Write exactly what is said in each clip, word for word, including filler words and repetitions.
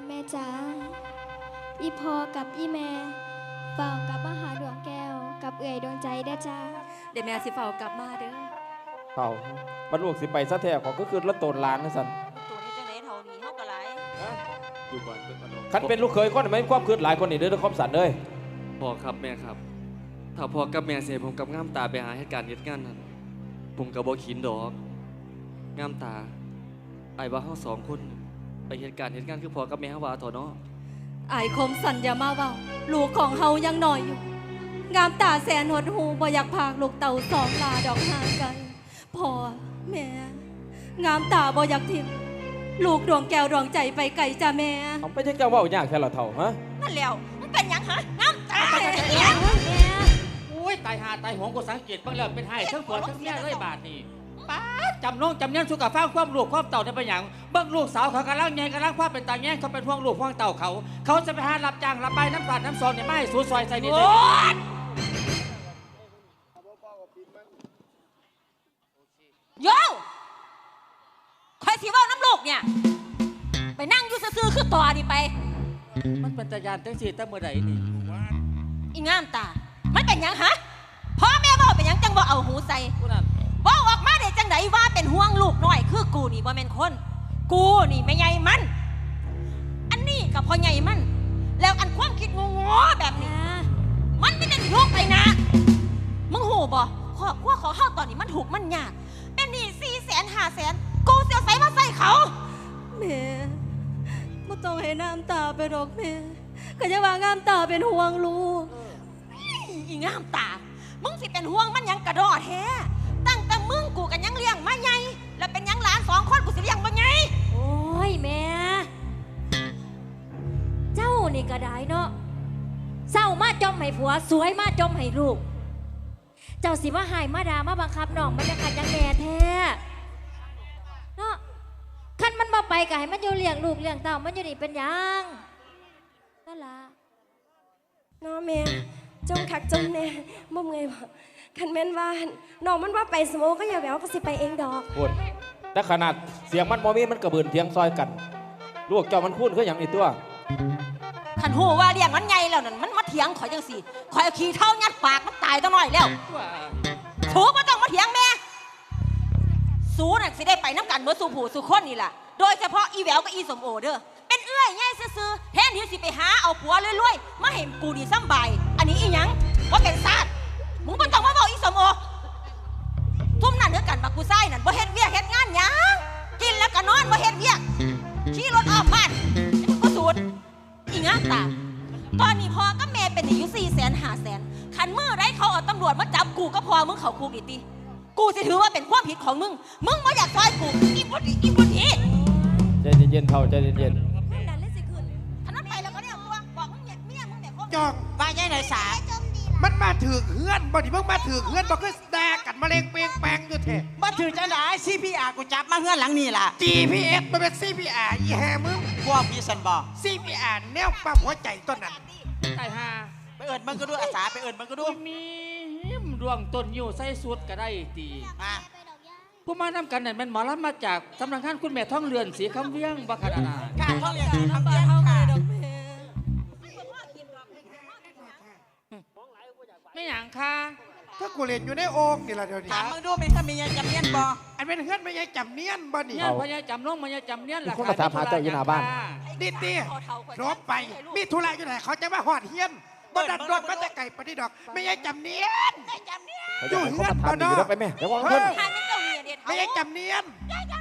แม่จ๋าอีพอกับอีแม่เฝ้ากลับมาหาดวงแก้วกับเอื่อยดวงใจเด้อจ้าเดี๋ยวแม่สิเฝ้ากลับมาเด้อเขาบรรลุสิไปซะแท้ของก็คือละโตนล้านนั่นสันตัวนี้จังไหนเท่านี้เฮาก็หลายอยู่บ้านเป็นขนมคันเป็นลูกเคยคนไม่ความคืดหลายคนนี่เด้อคอมสันเลยพ่อครับแม่ครับถ้าพ่อกับแม่เสียผมกับง่ามตาไปหาเหตุการณ์เหตุงานนั้นผมกับบ่ขินดอกง่ามตาไอ้ว่าเฮาสองคนไปเหตุการณ์เหตุงานคือพ่อกับแม่เฮาว่าเถอะเนาะไอ้คมสัญญามาเว้าลูกของเฮายังน้อยอยู่งามตาแสนหดหูบ่อยากพากลูกเต่าสองลาดอกห่างกันพ่อแม่งามตาบ่อยากทิ้งลูกดวงแก้วดวงใจไปไกลจ้าแม่เขาไม่ใช่เจ้าว่ายากแค่ละเท่าฮะนั่นแล้วมันเป็นหยังฮะงามตาโอ้ยตายหาตายหงกูสังเกตบ้างแล้วเป็นไห้ทั้งผัวทั้งเมียเลยบาทนี่ป้าจำน้องจำเนียนสุกฟ้าความลูกความเต่าได้เป็นอย่างเบิ้งลูกสาวเขากำลังแย่งกำลังความเป็นตาแย่งเขาเป็นห่วงลูกห่วงเต่าเขาเขาจะไปหารับจ้างรับใบน้ำตาลน้ำซอนเนี่ยไม่สูซอยใส่ดินเลยโย่คอยสิว่าน้ำลูกเนี่ยไปนั่งอยู่ซื่อๆคือต่อนี่ไปมันเป็นตายานตั้งสี่ตั้งเมื่อใดนี่อีงามตามันเป็นยังฮะพ่อแม่บอกเป็นยังจังบอกเอาหูใส่บอกออกมาเด็จังไหนว่าเป็นห่วงลูกน้อยคือกูนี่บ่แม่นคนกูนี่ไม่ใหญ่มันอันนี้กับพ่อใหญ่มันแล้วอันความคิดงงๆแบบนี้มันไม่ได้ลูกไปนะมึงหูบ่ขอว่าขอเข้าตอนนี้มันถูกมันยากเป็นหนี้สี่แสนห้าแสนกูเสียใส่มาใส่เขาแม่ไม่ต้องให้น้ำตาไปหรอกแม่ก็จะว่างามตาเป็นห่วงลูกอีงามตามึงสิเป็นห่วงมันยังกระดอแท้ตั้งแต่มึงกูกันยังเลี้ยงมาไงแล้วเป็นยังหลานสองคนกูสิเลี้ยงมาไงโอ้ยแม่เจ้านี่ก็ได้เนาะเศร้ามาจมให้ผัวสวยมาจมให้ลูกเจ้าสิมาหายมาดามาบังคับน้องมันจะขัดยังแม่แท้เนาะคันมันมาไปก็ให้มันอยู่เลี้ยงลูกเลี้ยงเต่ามันอยู่นี่เป็นยังนั่นล่ะน้อแม่จงคักจงแน่บ่เมื่อยบ่คันแม่นว่าน้องมันว่าไปสโมก็อย่าแหววก็สิไปเองดอกพูดแต่ขนาดเสียงมันมอมีมันกระเบือนเทียงซอยกันลูกเจ้ามันคุ้นคืออย่างนี้ตัวขันหูว่าเรียงมันไงแล้วนั่นมันมาเถียงข่อยจังสิข่อยขี้เท่ายัดปากมันตายตั้งหน่อยแล้วสูบ่ต้องมาเถียงแม่สูน่ะสิได้ไปน้ำกันเมื่อสูผู้สูคนนี่แหละโดยเฉพาะอีแหววกับอีสมโอเด้อเป็นเอื้อยง่ายซื่อๆแทนที่สิไปหาเอาผัวรวยๆมาเห็นกูดีซ้ำใบอันนี้อีหยังว่าเป็นซาดมึงบ่ต้องมาบอกอีสมโอทุ่มนั่นเด้อกันบักกูไส้นั่นบ่เฮ็ดเวียกเฮ็ดงานหยังกินแล้วก็นอนบ่เฮ็ดเวียกขี่รถออกบ้านมึงก็สูดอีงามตาตอนนี้พ่อกับแม่เป็นอยู่สี่แสนห้าแสนขันมือไรเขาเอาตำรวจมาจับกูก็พอมึงเขาคุกอีตีกูจะถือว่าเป็นความผิดของมึงมึงไม่อยากซอยกูอีบุตรอีบุตรอีใจเย็นๆเท่าใจเย็นอันนั้นไปแล้วก็เนี่ยตัวบอกมึงเนี่ยเมียมึงเนี่ยจอกว่าไงนายสามันมาถือเฮือนบ่ดิมึงมาถือเฮือนบ่คือแดกกันมะเร็งเปงแปงอยู่เถอะมาถือจะได้ ซี พี อาร์ กูจับมาเฮือนหลังนี่ล่ะจี พี เอส มันเป็น ซี พี อาร์ อีแฮมึงพวกพี่สันบอกซี พี อาร์ แนวปั๊มหัวใจต้นนั้นตายหาไปเอิญมันก็ดูอาสาไปเอิญมันก็ดูมีดวงต้นอยู่ใส่สุดก็ได้ตีมาผู้มานำกันนั่นเป็นหมอลำมาจากสำนักงานคุณแม่ท่องเรือนสีคำเวียงบัคดานาการท่องเรือนสีคำเวียงค่ะไม่อย่างค่ะก็กูเรียนอยู่ในโอ่งนี่แหละเดี๋ยวนี้ถามมึงดูเป็นถ้ามีจำเนียนบ่อันเป็นเฮือนไม่ใช่จำเนียนบ่นี่เนี่ยพญาจำน้องพญาจำเนียนหลักคุณมาถามหาเจ้าอยู่หน้าบ้านดิตีรบไปมีธุระอยู่ไหนเขาจะมาหอดเฮียนบ่ดันรถมันจะไก่ปฏิดอกไม่ใช่จำเนียนอยู่เฮือนบ่เนาะไปไหมเดี๋ยววางเพิ่นไม่ใช่จำเนียน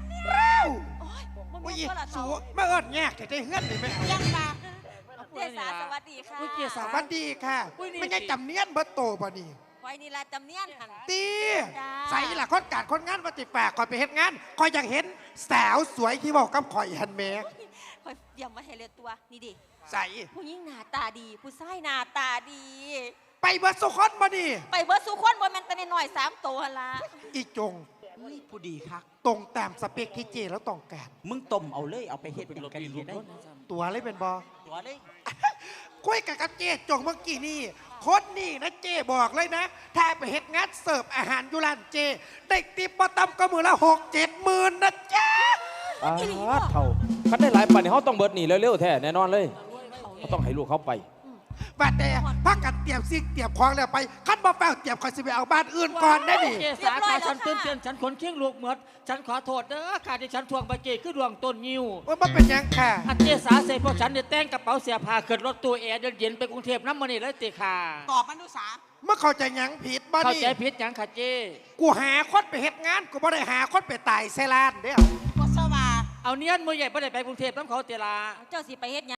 โอ้ยสูมาเอิญแยกแต่ได้เฮือนนี่ไม่เอายังมาเจษาสวัสดีค่ะสวัสดีค่ะไม่ใช่จำเนียนเบิร์โตบ่นี่ไว้นี่ละจำเนียนหันตีใส่ละคนการคนงานปฏิแปลกคอยไปเห็นงานคอยอยากเห็นสาวสวยที่บอกกับคอยหันแม่คอยเยี่ยมมาให้เลือตัวนี่ดิใส่ผู้หญิงหน้าตาดีผู้ชายหน้าตาดีไปเบิร์สุขอนบ่ดีไปเบิร์สุขอนบ่แม่นแต่หน่อยสามตัวละอีจงผู้ดีครับตรงตามสเปคที่เจแล้วต้องการมึงต้มเอาเลยเอาไปเฮ็ดอย่างกันได้ตัวเลยเป็นบอตัวเลยคุยกับกับเจจงเมื่อกี้นี่คนนี่นะเจบอกเลยนะถ้าไปเฮ็ดงานเสิร์ฟอาหารยุรันเจได้ติปประตำก็มือละหกเจ็ดหมื่นนะจ๊ะอ้าเท่าคันได้หลายปันนี่เขาต้องเบิดหนีเร็วๆแท้แน่นอนเลยเขาต้องให้ลูกเขาไปบัดแต่พักกันเตรียมซิกเตรียมของแล้วไปคันบ่เฝ้าเตรียมคอยสิไปเอาบ้านอื่นก่อนได้ดิเจสาขาฉันตื่นเต้นฉันขนเคียงลูกเหมือดฉันขอโทษเด้อค่ะที่ฉันทวงไปเจคือดวงต้นยิวว่ามันเป็นหยังค่ะอันเจสาเสร็จพวกฉันเนี่ยแต่งกระเป๋าเสียผ้าขึ้นรถตู้แอร์เดินเย็นไปกรุงเทพน้ำมันนี่เลยติค่ะตอบมันดูสาเมื่อเข้าใจหยังผิดบ่เข้านี่ใจผิดหยังค่ะเจกูหาคนไปเฮ็ดงานกูบ่ได้หาคนไปตายเซลานเด้อก็สว่าเอาเนียนมือใหญ่บ่ได้ไปกรุงเทพน้ำเขาเตลาเจ้าสิไปเฮ็ดหยัง